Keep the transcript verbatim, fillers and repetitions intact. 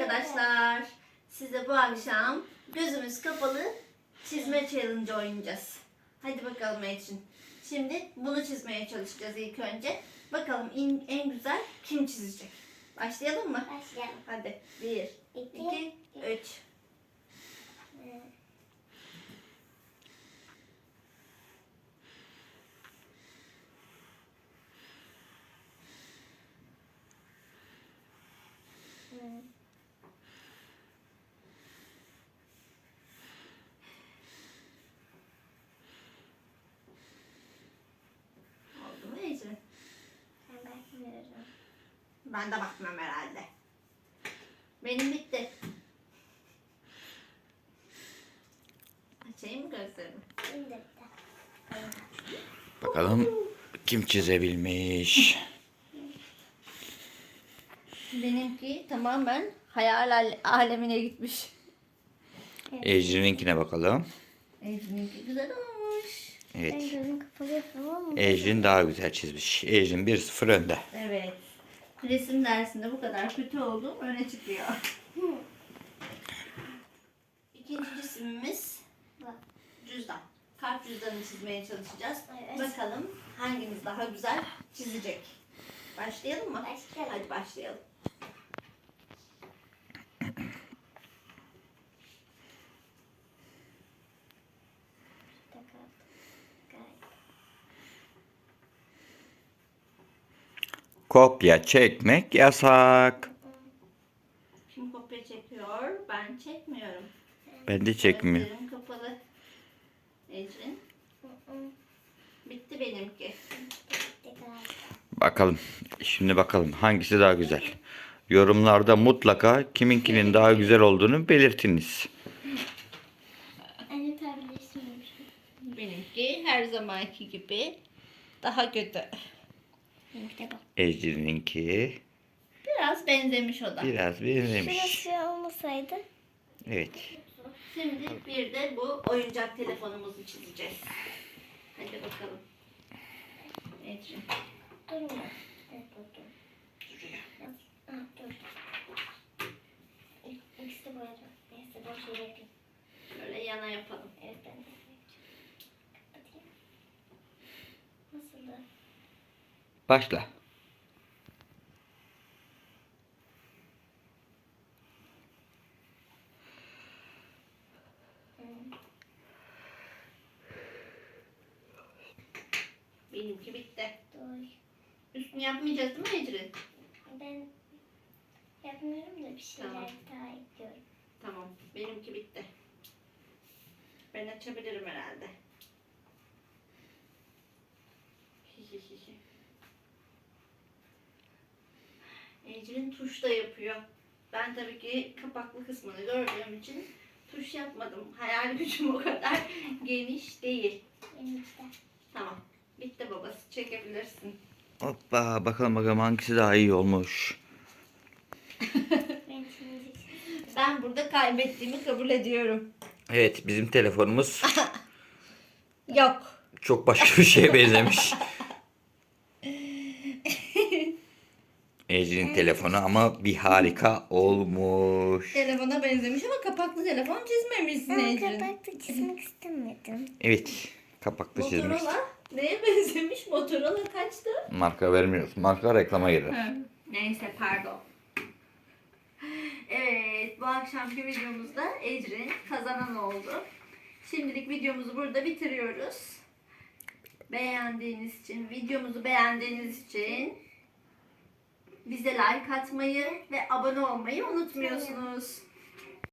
arkadaşlar. Size bu akşam gözümüz kapalı çizme challenge oynayacağız. Hadi bakalım Ecrin. Şimdi bunu çizmeye çalışacağız ilk önce. Bakalım en, en güzel kim çizecek? Başlayalım mı? Başlayalım. Hadi. Bir, iki, İki, üç. Oldu mu Ecrin? Ben bakmıyorum. Ben de bakmam herhalde. Benim bitti. Açayım mı gözlerimi? Şimdi de. Bakalım kim çizebilmiş. Benimki tamamen hayal al- alemine gitmiş. Ecrin'inkine bakalım. Ecrin'inki güzel olmuş. Ben Evet. gözüm kapalı yapamam ama. Ecrin daha güzel çizmiş. Ecrin bir sıfır önde. Evet. Resim dersinde bu kadar kötü olduğum öne çıkıyor. İkinci cisimimiz cüzdan. Kalp cüzdanını çizmeye çalışacağız. Evet. Bakalım hangimiz daha güzel çizecek. Başlayalım mı? Başlayalım. Hadi başlayalım. Kopya çekmek yasak. Kim kopya çekiyor? Ben çekmiyorum. Ben de çekmiyorum. Gözlerim kapalı. Ecrin. Bitti benimki. Bakalım. Şimdi bakalım hangisi daha güzel. Yorumlarda mutlaka kiminkinin daha güzel olduğunu belirtiniz. Anne tabletleştirmemiş. Benimki her zamanki gibi daha kötü. Benimki de bak. Ecrin'inki Biraz benzemiş o da. biraz benzemiş. Şurası olmasaydı. Evet. Şimdi bir de bu oyuncak telefonumuzu çizeceğiz. Hadi bakalım. Ecrin. Durmuyor. Evet dur dur. Şuraya. Ah dur. İk- İkisi de boyadı. Neyse ben şöyle yapayım. Şöyle yana yapalım. Evet ben de yapacağım. Kapatayım. Nasıldı? Başla. Benimki bitti. Dur. Üstünü yapmayacağız değil mi Ecrin? Ben yapmıyorum da bir şeyler Tamam. daha ekliyorum. Tamam. Benimki bitti. Ben açabilirim herhalde. Ecrin tuş da yapıyor. Ben tabii ki kapaklı kısmını gördüğüm için tuş yapmadım. Hayal gücüm o kadar geniş değil. Benimki de. Tamam. Bitti babası. Çekebilirsin. Hoppa bakalım bakalım hangisi daha iyi olmuş. Ben şimdi Ben burada kaybettiğimi kabul ediyorum. Evet bizim telefonumuz Yok. çok başka bir şeye benzemiş. Ecrin telefonu ama bir harika olmuş. Telefona benzemiş ama kapaklı telefon çizmemişsin ben Ecrin. kapakta çizmek istemedim. Evet kapakta çizmiş. Motorola neye benzemiş? Motorola kaçtı? Marka vermiyoruz. Marka reklama girer. Neyse pardon. Evet bu akşamki videomuzda Ecrin kazanan oldu. Şimdilik videomuzu burada bitiriyoruz. Beğendiğiniz için, videomuzu beğendiğiniz için bize like atmayı ve abone olmayı unutmuyorsunuz.